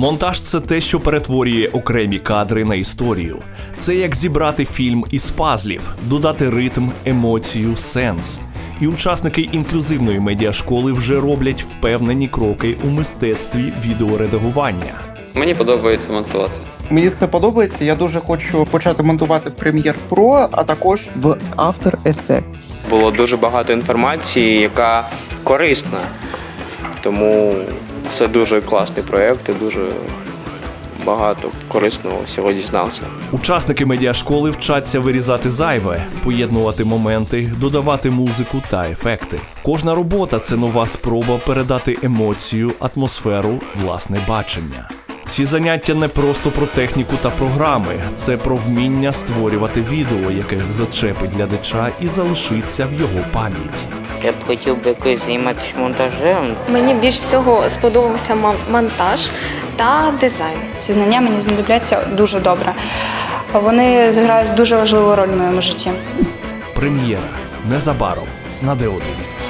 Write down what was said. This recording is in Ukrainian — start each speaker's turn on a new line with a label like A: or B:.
A: Монтаж – це те, що перетворює окремі кадри на історію. Це як зібрати фільм із пазлів, додати ритм, емоцію, сенс. І учасники інклюзивної медіашколи вже роблять впевнені кроки у мистецтві відеоредагування.
B: Мені подобається монтувати.
C: Мені це подобається, я дуже хочу почати монтувати в Premiere Pro, а також в After Effects.
D: Було дуже багато інформації, яка корисна. Тому це дуже класний проєкт і дуже багато корисного всього дізнався.
A: Учасники медіашколи вчаться вирізати зайве, поєднувати моменти, додавати музику та ефекти. Кожна робота – це нова спроба передати емоцію, атмосферу, власне бачення. Ці заняття не просто про техніку та програми, це про вміння створювати відео, яке зачепить глядача і залишиться в його пам'яті.
E: Я б хотів би якось займатися монтажем.
F: Мені більш всього сподобався монтаж та дизайн.
G: Ці знання мені знадобляться дуже добре. Вони зіграють дуже важливу роль в моєму житті.
A: Прем'єра. Незабаром. На Д1.